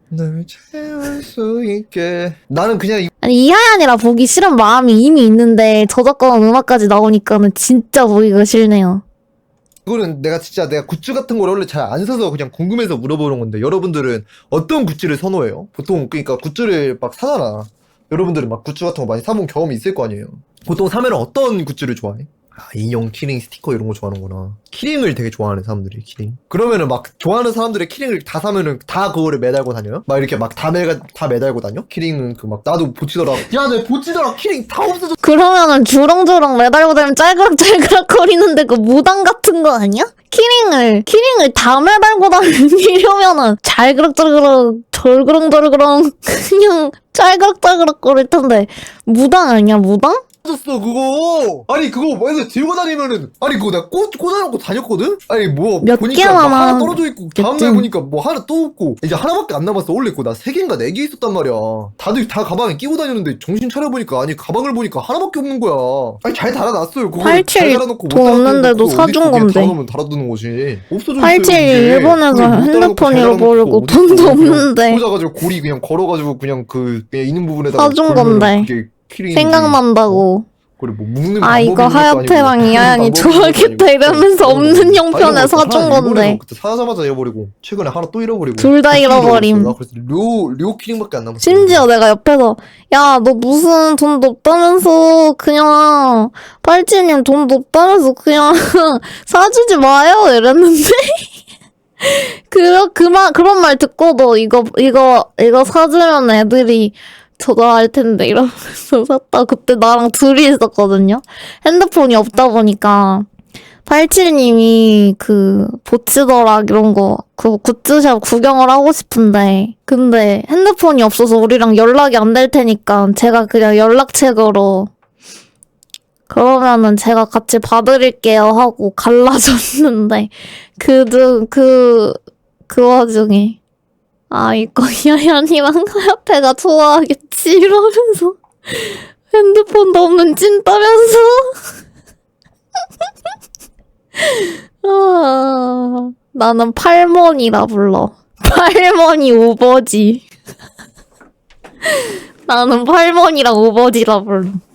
널 채울 수 있게. 나는 그냥 아니 이하얀이라 보기 싫은 마음이 이미 있는데 저작권 음악까지 나오니까는 진짜 보기가 싫네요. 이거는 내가 굿즈 같은 걸 원래 잘 안 사서 그냥 궁금해서 물어보는 건데, 여러분들은 어떤 굿즈를 선호해요? 보통 그러니까 굿즈를 막 사잖아. 여러분들은 막 굿즈 같은 거 많이 사본 경험이 있을 거 아니에요. 보통 사면 어떤 굿즈를 좋아해? 아, 인형, 키링, 스티커 이런 거 좋아하는구나. 키링을 되게 좋아하는 사람들이, 키링. 그러면은 막 좋아하는 사람들의 키링을 다 사면은 다 그거를 매달고 다녀요? 막 이렇게 막 다 매달고 다녀? 키링은 그 막 나도 보치더라. 야, 내 보치더라. 키링 다 없어졌어. 그러면은 주렁주렁 매달고 다니면 짤그락짤그락 거리는데 그 무당 같은 거 아니야? 키링을 다 매달고 다니려면은 잘그락잘그락 절그렁절그렁 그냥 짤그락짤그락 거릴 텐데 무당 아니야 무당? 없어졌어 그거. 아니 그거 맨날 들고 다니면은, 아니 그거 내가 꽂아놓고 다녔거든? 아니 뭐 몇 보니까 막 개나 하나 떨어져 있고, 다음날 겠지. 보니까 뭐 하나 또 없고, 이제 하나밖에 안 남았어. 원래 그거 나 3개인가 4개 있었단 말이야. 다들 다 가방에 끼고 다녔는데 정신 차려보니까, 아니 가방을 보니까 하나밖에 없는 거야. 아니 잘 달아놨어요. 그거 잘 87 달아놓고 돈 없는데도 사준 건데. 달아놓으면 달아두는 거지. 없어져 있어요 87 이게. 일본에서 그걸 못 달아놓고 핸드폰 잘 잃어버리고 달아놓고 돈도 어딨어. 그냥 없는데 꽂아가지고 고리 그냥 걸어가지고 그냥 그냥 있는 부분에다가 사준 걸면은 건데. 그게 키링이지. 생각난다고. 그래 뭐 묶는 아 방법이 이거 있는 것도 하야테랑 아니고, 이하얀이 방법이 있는 것도 좋아하겠다 아니고. 이러면서 없는 다 형편에 잃어버렸어. 사준 하나 건데 잃어버리고, 그때 사자마자 잃어버리고 최근에 하나 또 잃어버리고 둘 다 두 키링 잃어버림. 나 그래서 료 키링밖에 안 남았어. 심지어 내가 옆에서 야 너 무슨 돈도 없다면서 그냥 팔찌님 돈도 없다면서 그냥 사주지 마요 이랬는데 그런 말 듣고도 이거 사주면 애들이 저거할 텐데 이러면서 샀다. 그때 나랑 둘이 있었거든요. 핸드폰이 없다 보니까 87님이 그 보치더락 이런 거 그 굿즈샵 구경을 하고 싶은데 근데 핸드폰이 없어서 우리랑 연락이 안 될 테니까 제가 그냥 연락책으로 그러면은 제가 같이 봐드릴게요 하고 갈라졌는데 그 와중에 아 이거 야얀이랑 하야페가 좋아하겠지 이러면서 핸드폰도 없는 찐따면서 아, 나는 팔머니라 불러. 팔머니 우버지. 나는 팔머니랑 우버지라 불러.